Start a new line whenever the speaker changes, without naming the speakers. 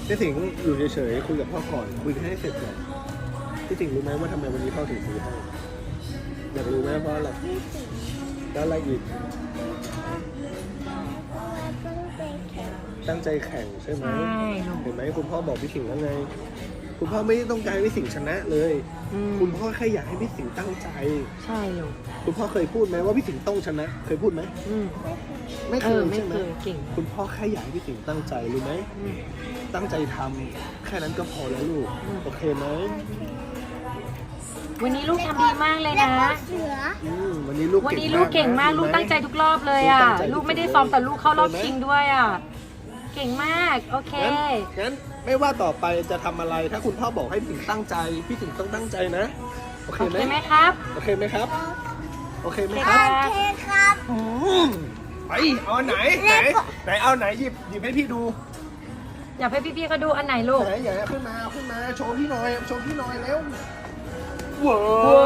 พี่สิงห์อยู่เฉยๆคุยกับพ่อก่อนคุยกันให้เสร็จก่อนพี่สิงห์รู้ไหมว่าทำไมวันนี้พ่อถึงซื้อให้อยากรู้ไหมเพราะอะไรแล้วอะไรอีกตั้งใจแข่งใช่ไหม
ใช่ลูก
เห็นไหมคุณพ่อบอกพี่สิงห์แล้วไงคุณพ่อไม่ได้ต้องการให้พี่สิงห์ชนะเลย คุณพ่อแค่อยากให้พี่สิงห์ตั้งใจ
ใช่ลูก
คุณพ่อเคยพูดไหมว่าพี่สิงห์ต้องชนะ เคยพูดไหม
อืม
ไม่เคย
ไม่
ใช่ไหม
เคยเก่ง
คุณพ่อแค่อยากให้พี่สิงห์ตั้งใจรู้ไหม
อืม
ตั้งใจทำแค่นั้นก็พอแล้วลูก
อืม
โอเคไหม
วันนี้ลูกทำดีมากเลยนะ
วันนี้ลูก
วันนี้ลูกเก่งมาก
นะ
ลูก
เห็นไห
ตั้งใจทุกรอบเลยอ่ะ
ลูกตั้งใจ
ลูกไม่ได้ซ้อมแต่ลูกเข้ารอบ
เห็นไหม
ชิงด้วยอ่ะ เก่งมาก โอเค
งั้นไม่ว่าต่อไปจะทำอะไร ถ้าคุณพ่อบอกให้พี่สิงห์ตั้งใจ พี่สิงห์ต้องตั้งใจนะ โอเค
โอ
ไหม
เคไหมครับ
โอเคไหมครับ โอเคไหม
โอ
ค
เค
รับ
ครับ
อืมไปเอาอันไหนไหนเอาไหนหยิบให้พี่ดู
อยากให้พี่ๆเขาดูอันไหนลูก
ไหนอย่าขึ้นมาโชว์พี่หน่อยเร็วว้า
ว้